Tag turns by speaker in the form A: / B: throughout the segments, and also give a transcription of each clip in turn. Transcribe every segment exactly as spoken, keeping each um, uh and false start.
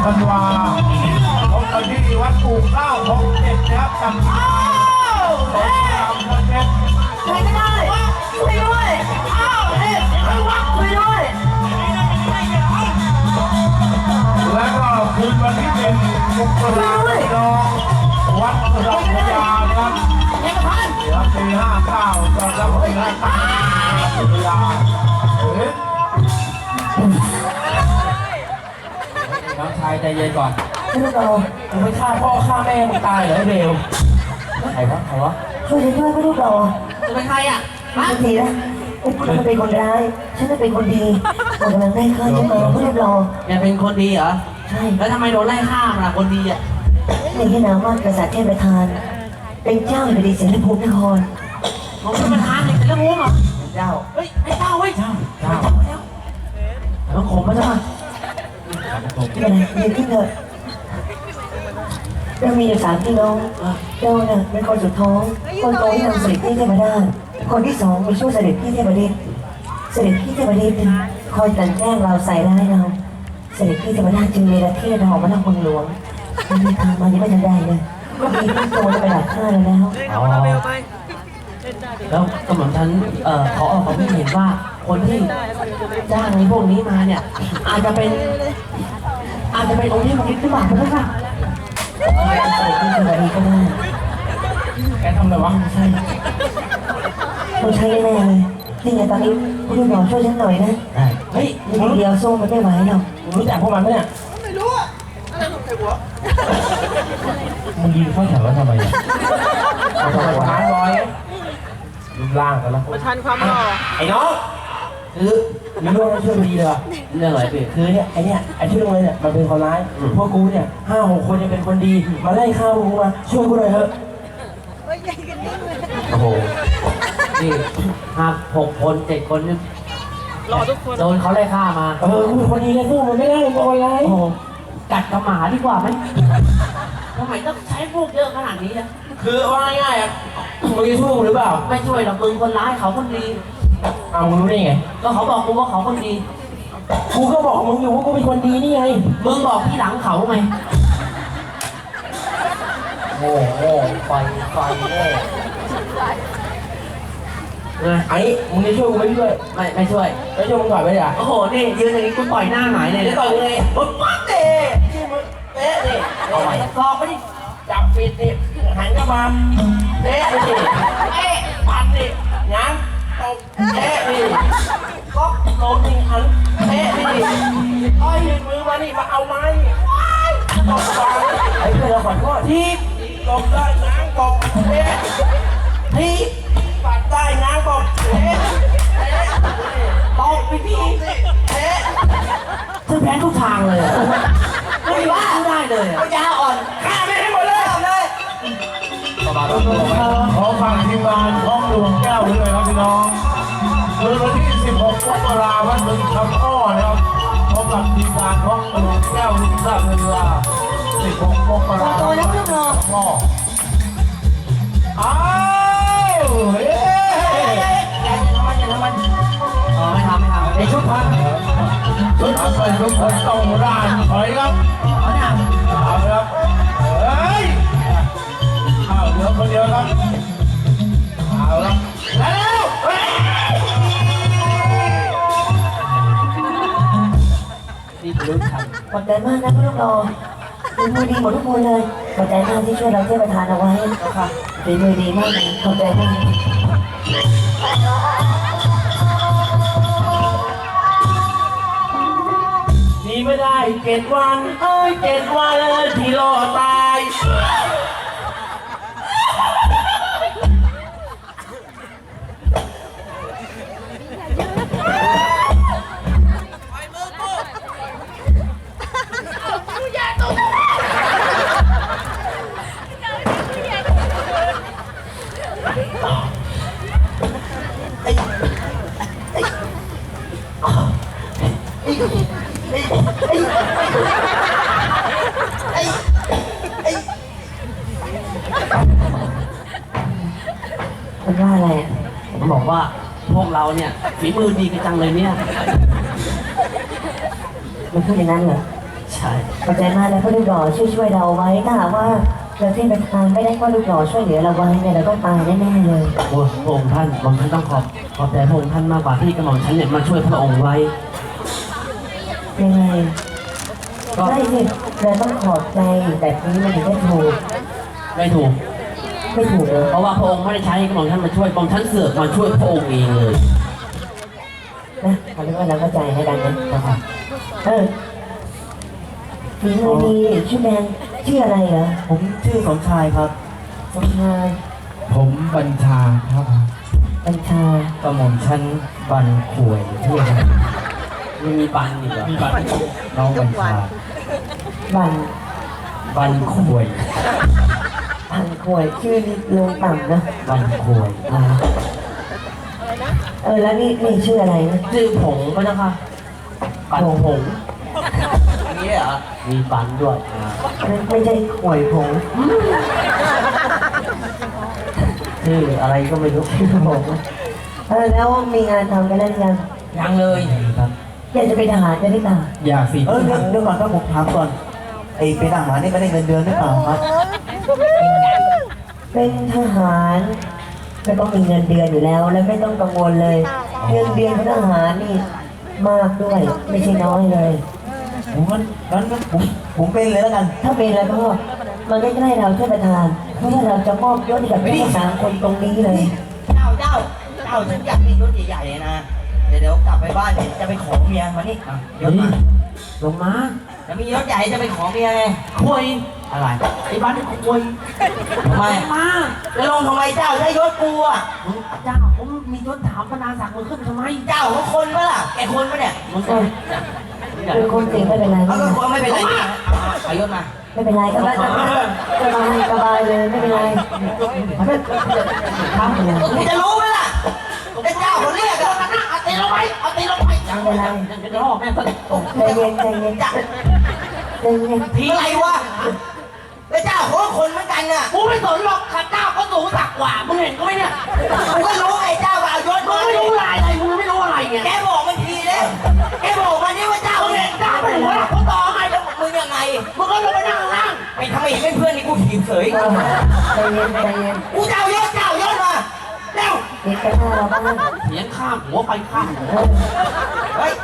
A: ธันวาพบกันที่วัดปู่เก้าหกเจ็ดนะครับกับอ้าวเฮ้ยใครก็ได้ช่วยด้วยอ้าวเฮ้ยช่วยวัดช่วยด้วยแล้วก็คืนวันที่เป็นมกราคมน้องวัดรัตนยาครับเดี๋ยวปีห้าเก้าตอนรับปีห้าเก้ารัตนยาน้องชายใจเย็นก่อนพี่ลูกเรามึงไม่ฆ่าพ่อฆ่าแม่มึงตายเหรอไอ้เบลใครวะใครวะช่วยฉันด้วยพี่ลูกเราจะเป็นใครอ่ะมาทีนะฉันเป็นคนร้ายฉันเป็นคนดีผมกำลังได้ฆ่าฉันมาพี่ลูกเราแกเป็นคนดีเหรอใช่แล้วทำไมโดนไล่ฆ่าล่ะคนดีอ่ะในที่นามว่ากษัตริย์เทพประธานเป็นเจ้าแผ่นดินเสรีภูมินครผมเป็นประธานในเสรีภูมิเหรอเจ้าเฮ้ยไอ้เจ้าเฮ้ยเจ้าเจ้าแล้วแล้วผมมาจ้ะไม่เป็นไรเดี๋ยวขึ้นเถอะเรามีอยู่สามพี่น้องเจ้าน่ะเป็นคนสุดท้องคนโตที่นำเสด็จพี่เทพดาคนที่สองเป็นช่วยเสด็จพี่เทพเดชเสด็จพี่เทพเดชคอยกลั่นแกล้งเราใส่ร้ายเราเสด็จพี่เทพดาจึงเนรเทศเราออกมาทางคนหลวงมีทางมายังไม่ทันได้เลยก็มีพี่โตจะไปดักฆ่าเราแล้ว
B: แล้วกำลังฉันเอ่อขอออกความเห็นว่าคนที่จ้างในพวกนี้มาเนี่ยอาจจะเป็นอาจจะเป็นองค์ที่มันคิดหรือเปล่าเพื่อนค่ะ
A: ใส่ที่สวัสดีก็ได้แกทำอะไรวะใช่
C: ต้องใช้แน่เลยนี่ไงตอนนี้คุณหมอช่วยฉันหน่อยนะ
A: เฮ้ย
C: มึงเดียวสู้มันไม่ไหวหรอก
A: รู้จักพวกมันไหมเนี่ยไม่รู้อะอะไรของใครวะมึงยิงเข้าแถวแล้วทำไมมาทำไมวะร้อยรูปร่างกันแล้ว
D: ประชันความหล่อ
A: ไอ้น้องคือมีเรื่องช่วยดีเลย
B: เรื่องอะไรพี่
A: คือเนี่ยไอเนี่ยไอชื่ออะไรเนี่ยมันเป็นคนร้ายพวกกูเนี่ยห้าหกคนจะเป็นคนดีมาไล่ฆ่ามึงมาช่วยกูหน่อยเถอะ
B: โอ้โหนี่ห้าหกคนเจ็ดคนนี่
D: รอทุกคน
B: โดนเขาไล่ฆ่ามา
A: เออกูเป็นคนดีเลยสู้มันไม่ได้โอยไร
B: โอ้โหกัดกระหมาดีกว่าไหมทำไมต้องใช้พวกเยอะขนาดนี้นะ
A: คือว่าง่ายๆอ่ะมึงจะสู้หรือเปล่า
B: ไม่ช่วยหรอกมึงคนร้ายเขาคนดี
A: เอามึงรู้ได้ไง
B: ก็เขาบอกกูว่าเขาคนดี
A: กูก็บอกมึงอยู่ว่ากูเป็นคนดีนี่ไง
B: มึงบอกที่หลังเขาไหมโอ้โหไฟไฟ
A: เลยไอ้มึงจะช่วยกูไม่ช่วย
B: ไม่ไม่ช่วย
A: ไม่ช่วยมึงก่อนไม่ได้
B: โอ้โหนี่ยืนอย่างนี้กูต่อยหน้าหงายเลย
A: ต่อยเลยมึงปั๊บเตะที่มึงเตะดิ
B: เอาไป
A: ซอกไปดิจับปิดดิหันกลับมาเตะดิเตะปัดดิยันตบเตะดิก๊อกลงดิหันเตะดิอ้อยมือมานี่มาเอาไม้ตบวางไอ้เพื่อนเราขอโทษทีตบได้ง้างตบเตะทีปัดได้ง้างตบเตะตบไปทีเตะ
B: ซึ่งแพ้ทุกทางเลยไม่ว่าได้เลย
A: ปัญญาอ่อนฆ่าไม่ให้หมดเลยเลยขอฝากทีมงานท้องหลวงแก้วด้วยครับพี่น้องคืนวันที่สิบหกมกราคมวันบึงคำอ้อนะครับพบกับทีมงานท้องหลวงแก้วลุงทราบเวลาสิบหกมกราคมวันบึงคำอ้ออ้าวเฮ้ยอย่าทำมันอย่าทำมัน
B: อ๋อไม่ทำไม่ทำ
A: ไอชุดพันชุดพันเป็นชุดพันต้องร้านถอยครับ
B: เอาเนี่ย
A: เอาครับเฮ้ยเอาเหลือคนเดียวครับเอาละแล้ว
B: นี่รู้ทัน
C: ขอบใจมากนะพี่ลูกรอฝีมือดีหมดทุกคนเลยขอบใจมากที่ช่วยเราเทพประธานเอาไว้ค่ะฝีมือดีมากขอบใจมาก
A: ดีไม่ได้เจ็ดวันเอ้ยเจ็ดวันที่รอตาย
C: มันว่าอะไร
B: ผมบอกว่าพวกเราเนี่ยฝีมือดีกันจังเลยเนี่ย
C: มันพูดอย่างนั้นเหรอ
B: ใช่ใช่
C: ขอบใจมากนะพ่อลูกหล่อช่วยช่วยเราไว้ถ้าหากว่าเราเทพประธานไม่ได้พ่อลูกหล่อช่วยเหลือเราไว้เนี่ยเราต้องตายแน่ๆเลย
B: โอ้พระองค์ท่านผมท่านต้องขอบขอบใจพระองค์ท่านมากกว่าที่กระหม่อมฉันเนี่ยมาช่วยพระองค์ไว้
C: ยังไง
B: ก็
C: ใช่สิเราต้องขอบใจแบบนี้มันถึงจะถูก
B: ไม่ถูก
C: ไม่ถูกเลย
B: เพราะว่าพระองค์ไม่ได้ใช้กระหม่อมท่านมาช่วยกระหม่อมท่านเสือกมาช่วยพระองค์เองเลย
C: นะเอาเป็นว่าเราเข้าใจให้กันนะนะครับเออฝีมือดีชื่อแบงชื่ออะไรเหรอ
A: ผมชื่อสมชายครับ
C: สมชาย
A: ผมบัญชาครับ
C: บัญชาก
A: ระหม่อมชั้นบันขวยเที่ยง
B: ไม่มีปันอีกเหรอ
A: มีบันน้องบัญชา
C: บัน
A: บันขวย
C: พันขวยชื่อนี่ลงต่ำนะ
A: บันขวย
C: อ่าเออแล้วนี่นี่ชื่ออะไรนะ
B: ชื่อผงก็นะคะปันผงอันนี้เหรอมีปันด้วยอ่า
C: ไม่ไม่ใช่ขวยผง
B: ชื่ออะไรก็ไม่รู้
C: ผมเออแล้วมีงานทำกันแล้วหรือยัง
B: ยังเลย
A: ครับ
C: อยากจะเป็นทหารจะได้ตา
A: อยากสิเออเดี๋ยวเดี๋ยวก่อนครับผมถามก่อนไอ้เป็นทหารนี่ไม่ได้เงินเดือนหรือเปล่าครับ
C: เป็นทหารก็ต้องมีเงินเดือนอยู่แล้ว และไม่ต้องกังวลเลย เงินเดือนของทหารนี่มากด้วย ไม่ใช่น้อยเลย
A: ผมงั้นงั้นผมผมเป็นเลยแล้วกัน
C: ถ้าเป็นแล้วก็มันใกล้ๆเราท่านประธานเพราะว่าเราจะมอบยศให้กับผู้สามคนตรงนี้เลย
E: เจ้าเจ้าเจ้าฉันอยากมีรถใหญ่ๆเลยนะ เดี๋ยวเดี๋ยวกลับไปบ้านเนี่ยจะไปขอเมียมานี่อ่ะเดี๋ยวมา
B: ลงมา
E: จะมีรถใหญ่จะไปขอเมียไง
B: คุย
E: อะไร
B: ไอ้บ้านนี่คุย
E: ทำไม
B: มา
E: จะลงทำไมเจ้าใช้ยศกูอ่ะ
B: มึงเจ้าผมมียศถามพนาศักดิ์มึงขึ้นทำไม
E: เจ้าเขาคนปะล่ะแกคนปะเนี่ย
B: มึง
C: เออเป็นคนเก่งไม่เป็นไร
E: เอา
C: ไม่
E: ก็
C: เป็นไร
E: คนไม่เป็นไรนี่เอายศมา
C: ไม่เป็นไรก็ได้สบายสบายเลยไม่เป็นไรไม่
B: ทำเลย
E: กูจะรู้ไหมล่ะแต่เจ้าเขาเรียกอะเอาตีลงไปเอาตีลงไป
C: เป็นไร
B: จะรอแม่ก็
C: ใจเย็นใจเย็นใจเย็น
E: ทีอะไรวะแล้วเจ้าเขาก็คนเหมือนกันน่ะ
B: กูไม่สนหรอกข้าเจ้าเขาสูงสักกว่ามึงเห็นกูไหมเนี่ย
E: กูก็รู้ไอ้เจ้าก็เอายศ
B: มึ
E: มาง
B: ไม่รู้อะไรอะไรมึงไม่รู้อะไรเนี่ย
E: แกบอกมันทีเลยแกบอกมันนี่ว่าเจ้า
B: มึง
E: เนี่
B: เห็
E: ย
B: นเจ้าเป็นหัวหลักหัวต่อไง
E: แล้วมึงยังไง
B: มึงก็ลงไปนั่งล่าง
E: ไปทำไมเห็นเป็นเพื่อนนี่กูถีบเฉย
C: ใจเย็นใจเย็น
E: กูจะเอายศเจ้ายศมาเร็ว
C: เด็กกันหน้าเราบ้าง
B: เสียงข้ามหัวไปข้ามหัว
E: เฮ้ย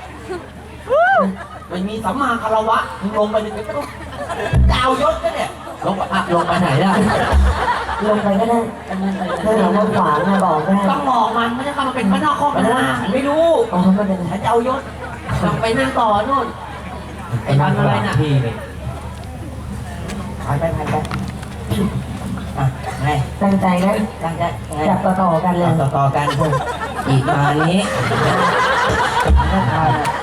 B: มันมีสัมมาคารวะมึงลงไปเลยก็ต้อง
E: จะเอายศก็เนี่ย
B: ลงไปอ่ะลงไปไหนล่ะ
C: ลงไปก็ได้ถ้าเราว่าขวางนะบอกได้
B: ต้องบอกมันไม่ใช่เข้ามาเป็นพระนอกข้อพระนา
E: ฉันไม่รู้
C: อ๋อไม่เป็นไร
E: ฉันจะเอายศ
B: ลงไปนั่งต่อนู่นไอ้บ้านอะไรน่ะ
A: พี่เลย
E: ไปไปไปไปอ่ะไง
C: ตั้งใจนะ
E: ตั้งใจไง
C: จับต่อต่อกันเลย
E: ต่อต่อกันพวกอีกมานี้ไม่ทานอ่ะ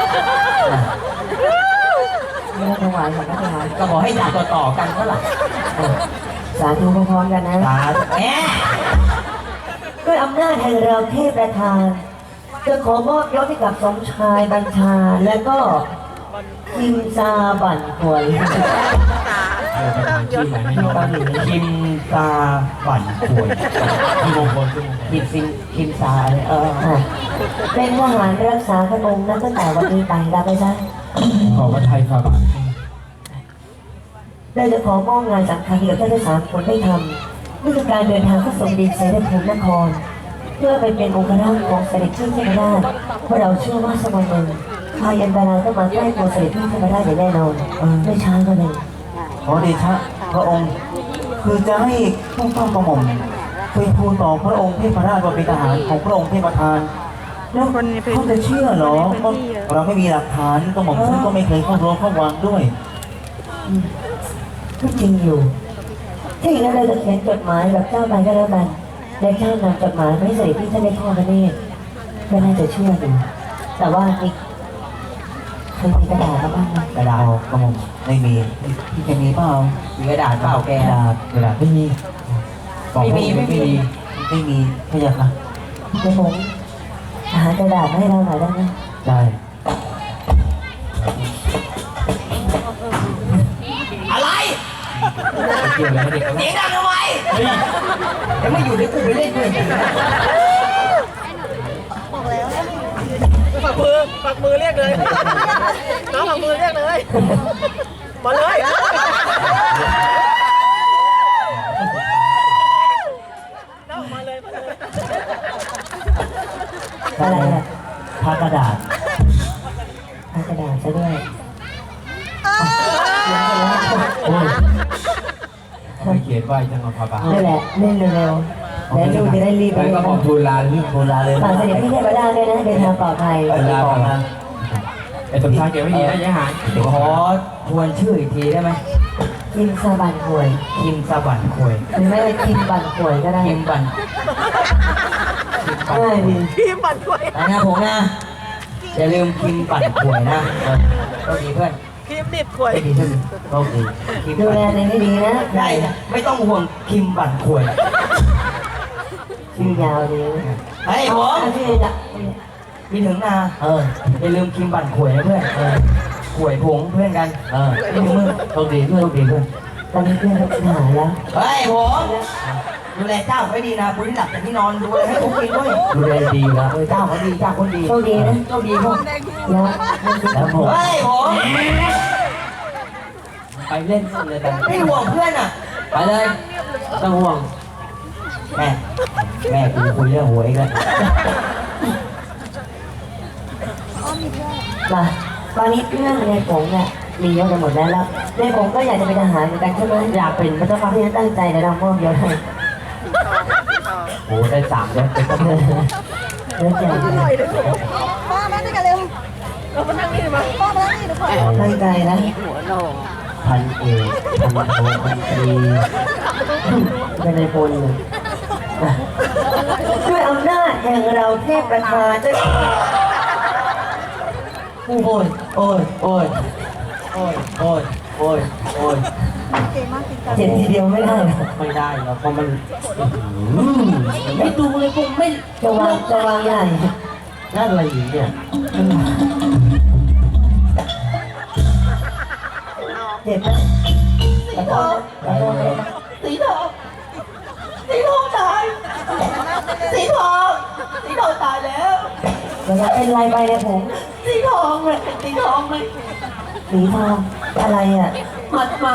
C: ไม่ต้องถวายของพระทหาร
E: ก็บอกให้จับต่อต่อกันเท่าไหร่
C: สาธุพร้อมๆกันนะ
E: ตาแหม
C: ด้วยอำนาจแห่งเราเทพประธานจะขอมอบยศให้กับสมชายบัญชา และก็คิมซาบั่นหวย
A: เออประธานชื่อใหม่ให้น้องคิมตาบั่นขวยที่มงคลชื่อมงคล
E: คิมซินคิมซาเลยเออ
C: อ่ะเป็นทหารรักษาพระองค์นั้นตั้งแต่วันนี้ไปรับไปซะ
A: ขอพระไทยฝ่าบาท
C: เราจะขอมอบงานสำคัญให้กับท่านทั้งสามคนได้ทำนี่คือการเดินทางเข้าสู่ดินเสด็จภูมินคร เพื่อไปเป็นองค์ราชของเสด็จพี่เทพราชเพราะเราเชื่อว่าสมัยหนึ่งพายันตรายต้องมาใกล้ตัวเสด็จพี่เทพราชอย่างแน่นอนไม่ช้าก็เลย
A: ขอเดชะพระองค์ คือจะให้ผู้ต้องกระหม่อมไปทูลต่อพระองค์เทพราชว่าเป็นทหารของพระองค์เทพประธานแล้วเขาจะเชื่อเหรอเพราะเราไม่มีหลักฐานกระหม่อมฉันก็ไม่เคยเข้าร้องเข้าวางด้วย
C: ก็จริงอยู่ถ้าอย่างนั้นเราจะเขียนจดหมายแบบเจ้าไปก็แล้วกันและเจ้านำจดหมายไปให้เสด็จพี่ท่านได้พ่อพระเนตรก็น่าจะเชื่ออยู่แต่ว่านี่เคยมีกระดาษมาบ้างไหม
A: กระดาษกระหม่อมไม่มีพี่จะมีเปล่า
E: มีกระดาษเปล่าแก
A: กระดาษกระดาษไม่มีบอก
E: ไม่มี
A: ไม่
E: ไม่มี
A: มีไม่มีพะยะค่ะ
C: เดี๋ยวผมหากระดาษมาให้เราหน่อยได้ไหม
A: ได้
E: อะไร
A: เกี่ยวอะไรกับเด็กเขา
E: เสียงดังทำไมจะไม่อยู่ในกูไปเล่นด้วย
D: ฝากมือฝปักมือเรียกเลย น้องปักมือเรียกเลย มาเลย น้องมาเลย มาเลย
C: อะไรอ่ะ
B: พากระดาษ
C: ทากระดาษซะด้วย
B: โอ้ย
A: ไม่เขียนไว้จังหวะพาบา
C: นั่นแหละเล่นเร็วๆแล้วลูกจะได้รีบไป
A: แล้วก็
C: นะ
A: บอกทูลลาเรื่อง
B: โบราณเลย
C: ฝากเสด็จพี่เทพราชด้วยนะเดินทางปลอดภัย
A: ทูลลามาไอ้สมชายเก็บไว้ดีนะยายหาน
E: ขอทวนชื่ออีกทีได้ไหม
C: คิมซาบันหวย
E: คิมสะบันควย
C: หรือไม่ก็คิมบันหวยก็ได้
E: คิมบัน
C: ง่ายดี
D: พี่ปั่นด้วย
E: นะนะผมนะอย่าลืมคิมบันควยนะเออโชคดีเพื่อน
D: พี่นิดขวย
E: โชคดีโชคดีโชคดีคิม
C: ดู
E: บัน
C: แลตัวเองให้ดีนะ
E: ได้ไม่ต้องห่วงคิมบันควย
C: ชื่อยาวดี
E: เฮ้ยผม
C: ชื่อจะ
E: มีถึงนา
B: เออ
E: อย่าลืมคิมบันควยนะเพื่อนเออควยผงเพื่อนกัน
B: เออ
E: ไม่ถึงมือ
B: โชคดีเพื่อน
E: โชคดีเพื่อน
C: ตอนนี้เพื่อนเขาหายแล้ว
E: เฮ้ยผมดูแลเจ้าไม่ดีนะคุณที่หลับจากที่นอนดูแลให้ผมกินด้วย
B: ดูแลดีอยู่แล้ว
E: เออเจ้าเขาดีเจ้าคนดี
C: โชคดีนะ
E: โชคดีพวก
C: แล้ว
B: แล้วผม
E: เฮ้ยผม
B: ไปเล่นเลยกัน
E: ไม่ห่วงเพื่อนอ่ะ
B: ไปเลยต้องห่วง
E: แม่แม่กูคุยเรื่องหวยกัน
C: มาตอนนี้เพื่อนในผงเนี่ยมีเยอะกันหมดแล้วแล้วในผงก็อยากจะเป็นทหารเหมือนกันใช่ไหมอยากเป็นพระเจ้าฟ้าที่ตั้งใจในเรามอบยศให้
B: โอ้ได้สามยศเป็นตำรวจ
C: เรื่องใหญ่
F: พ่อมาด้วยกันเร็ว
D: เรามานั่งนี่มา
F: พ่อมานั่งนี่ทุกคน
C: ตั้งใจนะ
B: พันเอกพันโทพันตรี
C: เป็นในพลเลยนะด้วยอำนาจแห่งเราเทพประธานด้วย
B: โอ้ยโอ้ยโอ้ยโอ้ยโอ้ยโอ้ยโอ้ย
F: เก่งมากจริงจัง
C: เจ็บทีเดียวไม่ได้หรอก
B: ไม่ได้แล้วเพราะมันอืมไม่ดูเลยผมไม่
C: จะวางจะวางใหญ่
B: นั่นอะไรอยู่เนี่ย
C: เจ็บไหมขอโทษนะขอโทษนะ
E: สีทองสีทองตายสีทองสีทองตายแล้ว
C: เดี๋ยวจะเป็นไรไปเนี่ยผม
E: สีทองเลยสีทองเลย
C: สีทองอะไรอ่ะ
E: หมัดหมา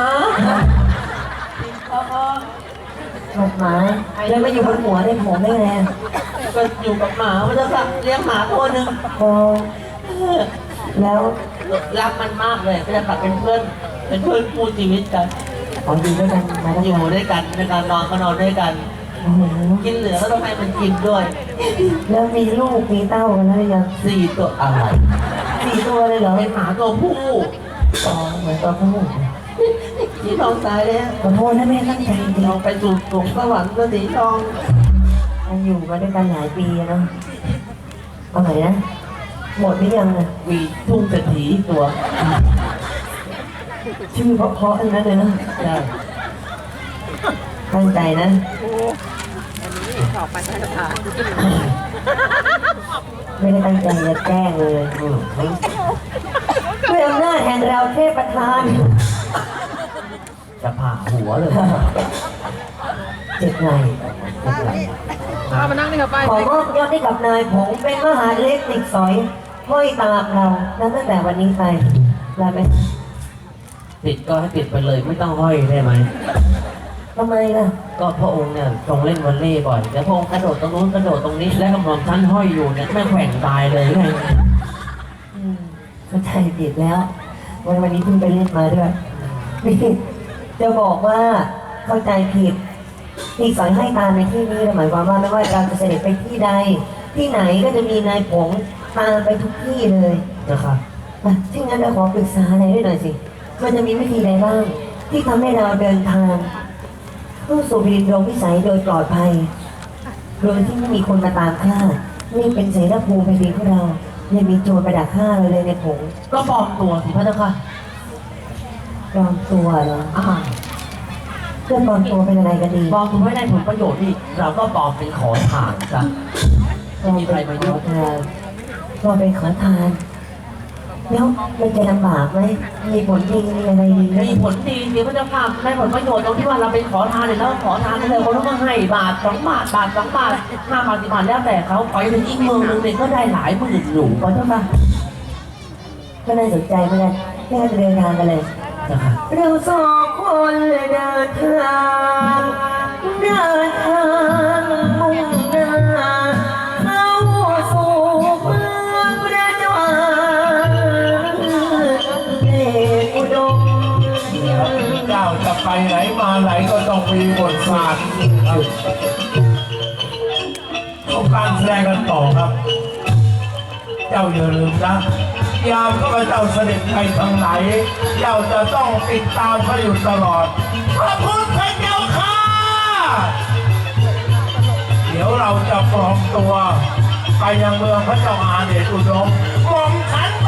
C: หมัดหมาแล้วมาอยู่บนหัวในผมได้ไงอะ
E: ก็อยู่กับหมามันจะสักเลี้ยงหมาตัวหนึ่ง
C: โอ้แล้ว
E: รักมันมากเลยก็จะตัดเป็นเพื่อนเป็นเพื่อนคู่ชีวิตกัน
C: ขออยู่ด้วยกันมาตั้ง
E: อยู่
C: นาน
E: ด้วยกันในการนอนก็นอนด้วยกัน
C: โอ้โห
E: กินเหลือก็ต้องให้มันกินด้วย
C: แล้วมีลูกมีเต้ากันแล้วหรือยัง
E: สี่ตัวอะไร
C: สี่ตัวเลยเหรอ
E: เป็นหมาตัวผู้
C: อ๋อเหมือนตัวผู้
E: สีทองตายแล้ว
C: ขอโทษนะแม่ตั้งใจจริง
E: ลองไปสู่สวงสวรรค์ก็สีทอง
C: ๆมันอยู่มาด้วยกันหลายปีอะเนาะเอาไหนนะหมดหรือยังอะ
E: มีทุ่งเศรษฐีตัว
C: ชื่อเพราะๆทั้งนั้นเลยนะ
E: ใช่
C: ตั้งใจนะ
D: ต่อไปท่านประธาน
C: ไม่ได้ตั้งใจจะแกล้งเลย
E: อืม
C: ด้วยอำนาจแห่งเราเทพประธาน
E: จะผ่าหัวเลย
C: เจ็บไหล่
D: เอามานั่งนี่ครับไป
C: ขอมอบยศให้กับนายผงเป็นมหาเล็กติดสอยห้อยตามเรานับตั้งแต่วันนี้ไปลาไป
B: ติดก็ให้ติดไปเลยไม่ต้องห้อยได้ไหม
C: ทำไมล่ะ
B: ก็พระองค์เนี่ยทรงเล่นวอลเลย์บ่อยแล้วพระองค์กระโดดตรงนู้นกระโดดตรงนี้และกำลังชั้นห้อยอยู่เนี่ยไม่แขว่งตายเลยไง
C: อืมเข้าใจผิดแล้ว วันวันนี้เพิ่งไปเล่นมาด้วยนี่จะบอกว่าเข้าใจผิดที่สอยให้ตามในที่นี้หมายความว่าไม่ว่าเราจะเสด็จไปที่ใด ที่ไหนก็จะมีนายผงตามไปทุกที่เลย
B: นะครับ
C: อ่ะที่งั้นเราขอปรึกษาอะไรด้วยหน่อยสิมันจะมีวิธีใดบ้าง ที่ทำให้เราเดินทางเข้าสู่แผ่นดินโลกวิสัยโดยปลอดภัย โดยที่ไม่มีคนมาตามฆ่านี่เป็นเสนาภูมิแผ่นดินของเรายังมีโจรประดักฆ่าเราเลยในผง
B: ก็ปลอมตัวสิพระเจ้าค่ะ
C: ปลอมตัวเหรอ
B: อ่า
C: เพื่อนปลอมตัวเป็นอะไรกันดี
B: ปลอมตัวไม่ได้ผลประโยชน์นี่เราก็ปลอมเป็นขอทานจ้ะไม่มีใครมายุ่ง
C: ขอทานปลอมเป็นขอทานแล้วมันจะลำบากไหมมีผลดีมีอะไรดีไหม
B: มีผลดีสิพระเจ้าค่ะได้ผลประโยชน์ตรงที่ว่าเราเป็นขอทานเนี่ยแล้วขอทานเลยเขาต้องมาให้บาทสองบาทบาทสองบาทห้าบาทสิบบาทแล้วแต่เขาไปถึงอีกเมืองหนึงเนี่ยก็ได้หลายหมื่นหนูพระเจ้าค่ะ
C: ก็น่าสนใจเหมือนกันไม่งั้นจะเดินทางกันเลย
B: นะครับ
C: เราสองคนเดินทางเดินทางมุ่งหน้าเข้าสู่เมืองประจวบเดชอุดม
G: เจ้าจะไปไหนมาไหนก็ต้องมีบทบาทครับเขาการแสดงกันต่อครับ เจ้าอย่าลืมนะยามข้าพเจ้าเสด็จไปทางไหน เจ้าจะต้องติดตามเขาอยู่ตลอดพระพุทธเจ้าค่ะ เดี๋ยวเราจะปลอมตัวไปยังเมืองพระเจ้าอาเดชอุดมหม่อมฉัน